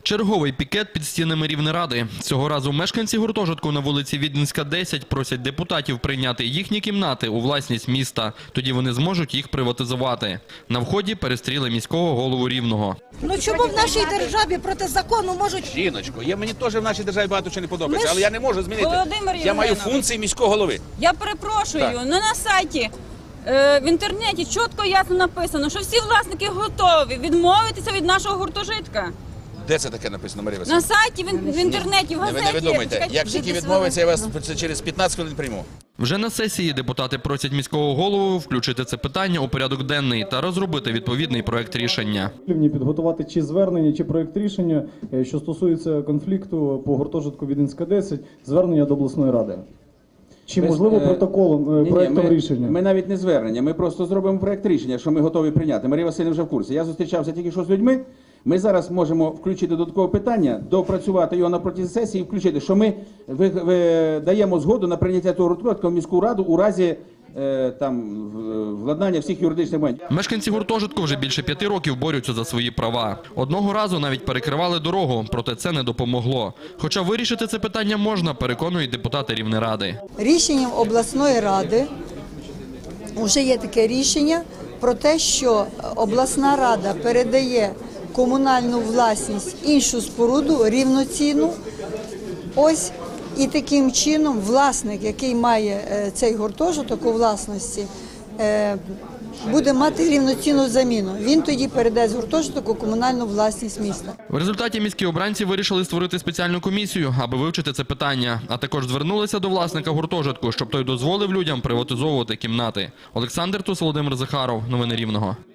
Черговий пікет під стінами Рівнеради. Цього разу мешканці гуртожитку на вулиці Віденська, 10 просять депутатів прийняти їхні кімнати у власність міста. Тоді вони зможуть їх приватизувати. На вході перестріли міського голову Рівного. Ну чому в нашій державі проти закону можуть... Жіночко, мені теж в нашій державі багато чого не подобається, але я не можу змінити. Я маю функції міського голови. Я перепрошую, на сайті, в інтернеті чітко і ясно написано, що всі власники готові відмовитися від нашого гуртожитка. Де це таке написано, Марія Васильівна? На сайті, в інтернеті, в газеті. Не видумайте, як тільки відмовиться, я вас через 15 хвилин прийму. Вже на сесії депутати просять міського голову включити це питання у порядок денний та розробити відповідний проект рішення. Підготувати чи звернення, чи проект рішення, що стосується конфлікту по гуртожитку Віденська, 10, звернення до обласної ради. Чи можливо протоколом, проектом рішення? Ми навіть не звернення, ми просто зробимо проект рішення, що ми готові прийняти. Марія Васильівна вже в курсі. Я зустрічався тільки що з людьми. Ми зараз можемо включити додаткове питання, допрацювати його на протязі сесії і включити, що ми даємо згоду на прийняття того гуртожитку в міську раду у разі владнання всіх юридичних моментів. Мешканці гуртожитку вже більше 5 років борються за свої права. Одного разу навіть перекривали дорогу, проте це не допомогло. Хоча вирішити це питання можна, переконують депутати Рівнеради. Рішенням обласної ради вже є таке рішення про те, що обласна рада передає комунальну власність іншу споруду рівноцінну. Ось і таким чином власник, який має цей гуртожиток у власності, буде мати рівноцінну заміну. Він тоді передасть гуртожиток у комунальну власність міста. В результаті міські обранці вирішили створити спеціальну комісію, аби вивчити це питання, а також звернулися до власника гуртожитку, щоб той дозволив людям приватизовувати кімнати. Олександр Тус, Володимир Захаров. Новини Рівного.